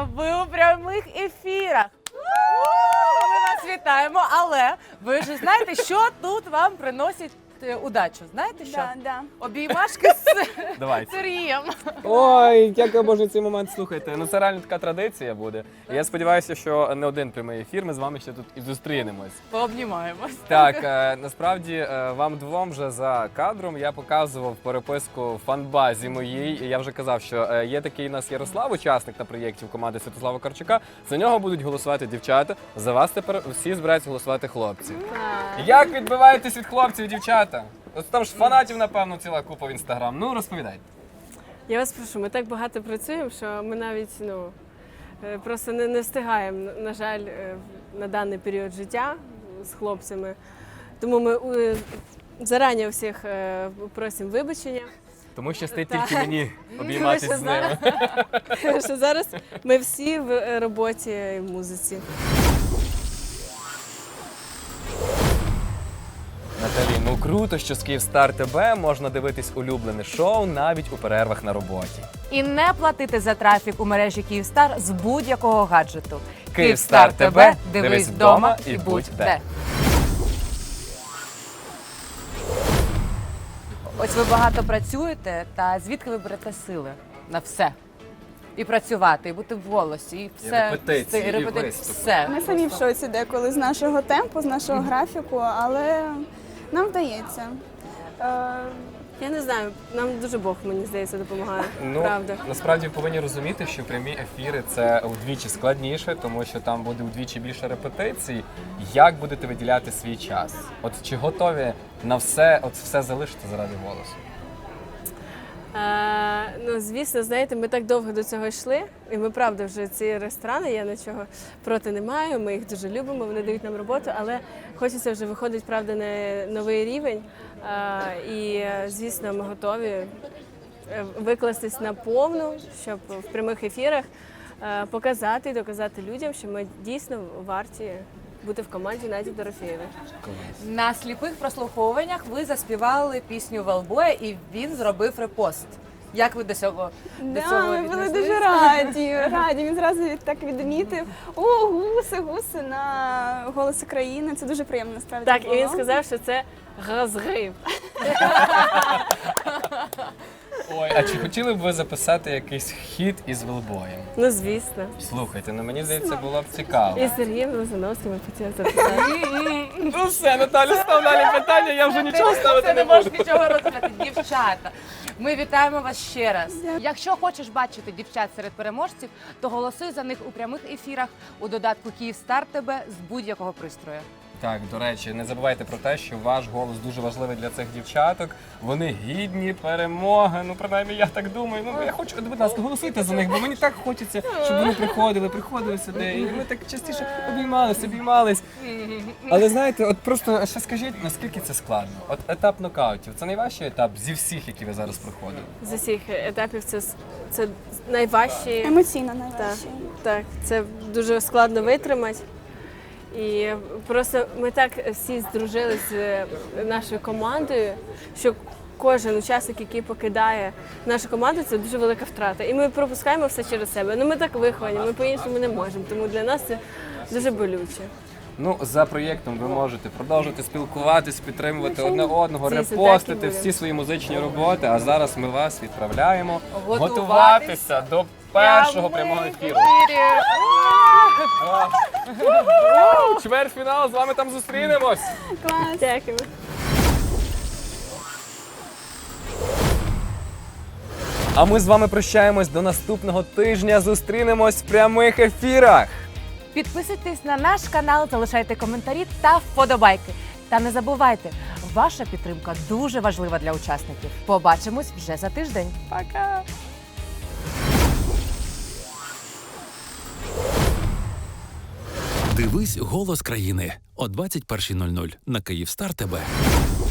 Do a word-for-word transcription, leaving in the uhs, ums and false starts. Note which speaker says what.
Speaker 1: Дівчата, ви у прямих ефірах. Ми вас вітаємо, але ви ж знаєте, що тут вам приносить е, удачу. Знаєте що?
Speaker 2: Да, да.
Speaker 1: Обіймашки з
Speaker 3: Давайте.
Speaker 1: Сергієм.
Speaker 3: Ой, як я боже цей момент слухайте. Ну це реально така традиція буде. І я сподіваюся, що не один прямий ефір, ми з вами ще тут і зустрінемось.
Speaker 1: Пообнімаємось.
Speaker 3: Так, е, насправді е, вам двом вже за кадром я показував переписку в фанбазі моїй. І я вже казав, що е, є такий у нас Ярослав, учасник на проєктів команди Святослава Карчука. За нього будуть голосувати дівчата. За вас тепер всі збираються голосувати хлопці. Як відбиваєтесь від хлопців, дівчата? От там ж фанатів, напевно, ціла купа в інстаграм. Ну розповідайте.
Speaker 4: Я вас прошу, ми так багато працюємо, що ми навіть ну, е, просто не, не встигаємо, на жаль, е, на даний період життя з хлопцями. Тому ми е, зарані у всіх е, просимо вибачення.
Speaker 3: Тому щастить
Speaker 4: Так.
Speaker 3: тільки мені обійматись
Speaker 4: Тому
Speaker 3: з
Speaker 4: що
Speaker 3: ними.
Speaker 4: зараз- що зараз ми всі в е, роботі і в музиці.
Speaker 3: Наталі, ну круто, що з Київстар ТБ можна дивитись улюблене шоу навіть у перервах на роботі.
Speaker 1: І не платити за трафік у мережі Київстар з будь-якого гаджету.
Speaker 3: Київстар ТБ, дивись вдома і будь де.
Speaker 1: Ось ви багато працюєте, та звідки ви берете сили на все? І працювати, і бути в голосі, і все.
Speaker 3: репетиції,
Speaker 1: все,
Speaker 3: і
Speaker 1: репетиції,
Speaker 3: виступи.
Speaker 1: все.
Speaker 2: Ми самі в шоці деколи з нашого темпу, з нашого графіку, але нам вдається. Е,
Speaker 4: Я не знаю, нам дуже Бог, мені здається, допомагає.
Speaker 3: Ну,
Speaker 4: Правда.
Speaker 3: насправді повинні розуміти, що прямі ефіри це вдвічі складніше, тому що там буде вдвічі більше репетицій. Як будете виділяти свій час? От чи готові на все, от все залишити заради голосу?
Speaker 4: Е, ну, звісно, знаєте, ми так довго до цього йшли, і ми, правда, вже ці ресторани, я нічого проти не маю, ми їх дуже любимо, вони дають нам роботу, але хочеться вже виходити, правда, на новий рівень. Е, і, звісно, ми готові е, викластись на повну, щоб в прямих ефірах е, показати і доказати людям, що ми дійсно варті бути в команді Наді Дорофєєвої.
Speaker 1: На сліпих прослуховуваннях ви заспівали пісню Велбоя, і він зробив репост. Як ви до цього, до
Speaker 2: да,
Speaker 1: цього
Speaker 2: ми були
Speaker 1: віднеслись?
Speaker 2: дуже раді, раді. Він зразу так відмітив. О, гуси, гуси на «Голос України». Це дуже приємно, насправді.
Speaker 4: Так, і
Speaker 2: було.
Speaker 4: він сказав, що це розгрив.
Speaker 3: Ой, а чи хотіли б ви записати якийсь хіт із Велбоєм?
Speaker 4: Ну, звісно.
Speaker 3: Слухайте, ну мені здається, було б цікаво.
Speaker 4: І з Сергієм Лозановським ми хотіли записати.
Speaker 3: Ну все, Наталя, став далі питання, я вже нічого
Speaker 1: Ти
Speaker 3: ставити
Speaker 1: не
Speaker 3: не
Speaker 1: можеш
Speaker 3: буду.
Speaker 1: нічого розказати. Дівчата, ми вітаємо вас ще раз. Якщо хочеш бачити дівчат серед переможців, то голосуй за них у прямих ефірах у додатку Київстар ТБ з будь-якого пристрою.
Speaker 3: Так, до речі, не забувайте про те, що ваш голос дуже важливий для цих дівчаток. Вони гідні перемоги. Ну, принаймні, я так думаю. Ну, я хочу, будь ласка, голосуйте за них, бо мені так хочеться, щоб вони приходили, приходили сюди. І ми так частіше обіймались, обіймались. Але знаєте, от просто ще скажіть, наскільки це складно? От етап нокаутів це найважчий етап зі всіх, які ви зараз проходили.
Speaker 4: З усіх етапів це, це найважчі.
Speaker 2: Емоційно
Speaker 4: Так,
Speaker 2: найважче.
Speaker 4: так, це дуже складно витримати. І просто ми так всі здружилися з нашою командою, що кожен учасник, який покидає нашу команду, це дуже велика втрата. І ми пропускаємо все через себе. Ну ми так виховані, ми по-іншому не можемо, тому для нас це дуже болюче.
Speaker 3: Ну, за проєктом ви можете продовжувати спілкуватись, підтримувати одне одного,
Speaker 4: Звісно, так і
Speaker 3: репостити
Speaker 4: буде.
Speaker 3: всі свої музичні роботи. А зараз ми вас відправляємо
Speaker 1: Готуватись
Speaker 3: готуватися до першого прямого ефіру. Чвертьфінал, з вами там зустрінемось.
Speaker 2: Клас.
Speaker 4: Дякую.
Speaker 3: А ми з вами прощаємось до наступного тижня. Зустрінемось в прямих ефірах.
Speaker 1: Підписуйтесь на наш канал, залишайте коментарі та вподобайки. Та не забувайте, ваша підтримка дуже важлива для учасників. Побачимось вже за тиждень. Пока!
Speaker 5: Дивись «Голос країни» о двадцять першій нуль нуль на Київстар ТБ.